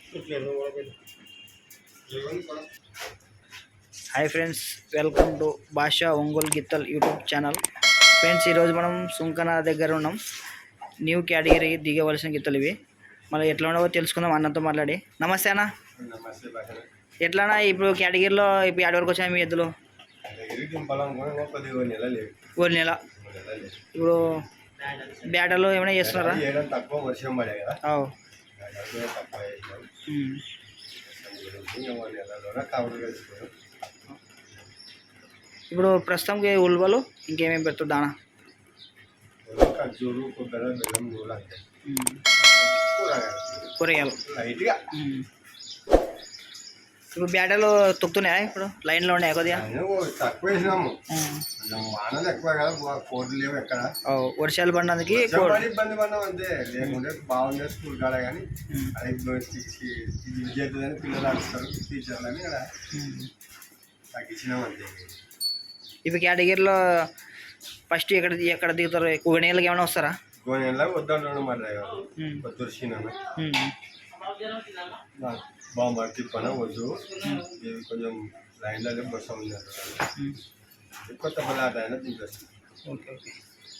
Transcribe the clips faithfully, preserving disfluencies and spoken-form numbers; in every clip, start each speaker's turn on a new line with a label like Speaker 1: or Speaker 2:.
Speaker 1: Hi friends, welcome to Basha Ongole గిత్తల్ YouTube channel. Friends, ఈరోజు మనం సుంకన దగ్గర ఉన్నాం. న్యూ కేటగిరీ దిగవలసిన గిత్తలు ఇవి. మళ్ళీ ఎట్లా ఉండవో తెలుసుకుందాం అన్నతో మాట్లాడి. నమస్తే అన్న. ఎట్లానా ఇప్పుడు కేటగిరీలో ఇప్పుడు ఏడు వరకు వచ్చాయి మీ ఎద్దులు? ఒక నెల. ఇప్పుడు బ్యాటర్లు ఏమైనా చేస్తున్నారా? ఇప్పుడు ప్రస్తుతంకి ఉల్వలు ఇంకేమేమి పెడుతుంది దానా? కూరగాయలు. ఇప్పుడు బ్యాటర్లు తొక్కుతున్నాయా? ఇప్పుడు లైన్లో ఉన్నాయి కొద్దిగా
Speaker 2: తక్కువ వేసినాము.
Speaker 1: వర్షాలు పడినందుకు
Speaker 2: ఇబ్బంది పడినాం అంతే. లేకుంటే బాగుండే స్కూల్ కాడ కానీ అది విద్యార్థులని పిల్లలు ఆడుస్తారు టీచర్లని అక్కడ తగ్గించినాం అంతే.
Speaker 1: ఇప్పుడు కేటగిరీలో ఫస్ట్ ఎక్కడ ఎక్కడ దిగుతారు? గోనెలకు ఏమైనా వస్తారా?
Speaker 2: గోనెలకు వద్దంటున్నాడు మా డ్రైవర్ వద్దుర్చిన బాగా తిప్పన వద్దు, కొంచెం లైన్లో బస్సు ఉంది కొత్త పదార్థ అయినా తింటారు.
Speaker 1: Okay okay.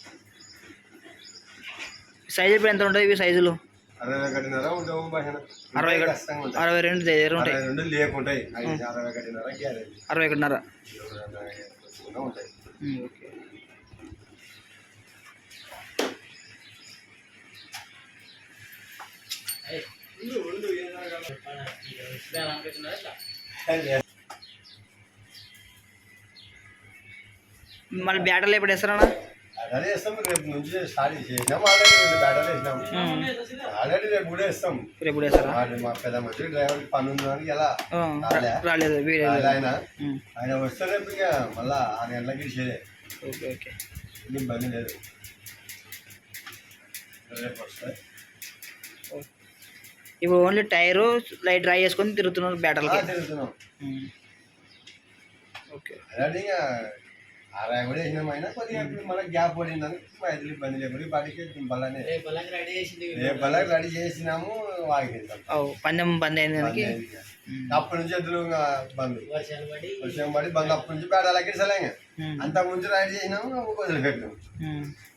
Speaker 1: సైజు ఇప్పుడు ఎంత ఉంటుంది? ఇవి సైజులు
Speaker 2: అరవై ఒకటిన్నర ఉంటాము.
Speaker 1: అరవై అరవై రెండు ఉంటాయి.
Speaker 2: రెండు లేకుంటాయి. అరవై ఒకటిన్నర గ్యారెంటీ.
Speaker 1: అరవై ఒకటిన్నర
Speaker 2: ఉంటాయి.
Speaker 1: ఓకే. మళ్ళీ బ్యాటర్లు ఎప్పుడు వేస్తారన్నా?
Speaker 2: అదే వేస్తాం. రేపు నుంచి స్టార్ట్ చేసినాం. ఆల్రెడీ రెండు బ్యాటర్లు వేసినాం. ఆల్రెడీ రేపు కూడా వేస్తాం.
Speaker 1: రేపు కూడా వేస్తారా?
Speaker 2: మా పెద్ద మంచి డ్రైవర్ పని ఉందని ఎలా
Speaker 1: రాలేదు
Speaker 2: ఆయన ఆయన వస్తే రేపు ఇంకా మళ్ళా ఆరు గంటలకి ఇచ్చేదే.
Speaker 1: Okay okay.
Speaker 2: ఇబ్బంది లేదు. రేపు వస్తాయి.
Speaker 1: ఇప్పుడు ఓన్లీ టైరు లైట్ డ్రై చేసుకొని తిరుగుతున్నారు బ్యాటర్లు
Speaker 2: తిరుగుతున్నాం.
Speaker 1: ఓకే.
Speaker 2: అలాంటి ఇంకా అరవై కూడా వేసినాం. అయినా కొద్దిగా మనకి గ్యాప్ పడిందని ఐదులు ఇబ్బంది లేకుండా బడికి బల్లనే రేపు బల్లకి రెడీ చేసినాము. వాడికి
Speaker 1: పందెం బంద్ అయింది.
Speaker 2: అప్పటి నుంచి ఎద్దులు బంద్ వర్షం పడి బంద్. అప్పటి నుంచి పేడాలకి సలే అంత ముందు రెడీ చేసినాము. వదిలిపెట్టినాము.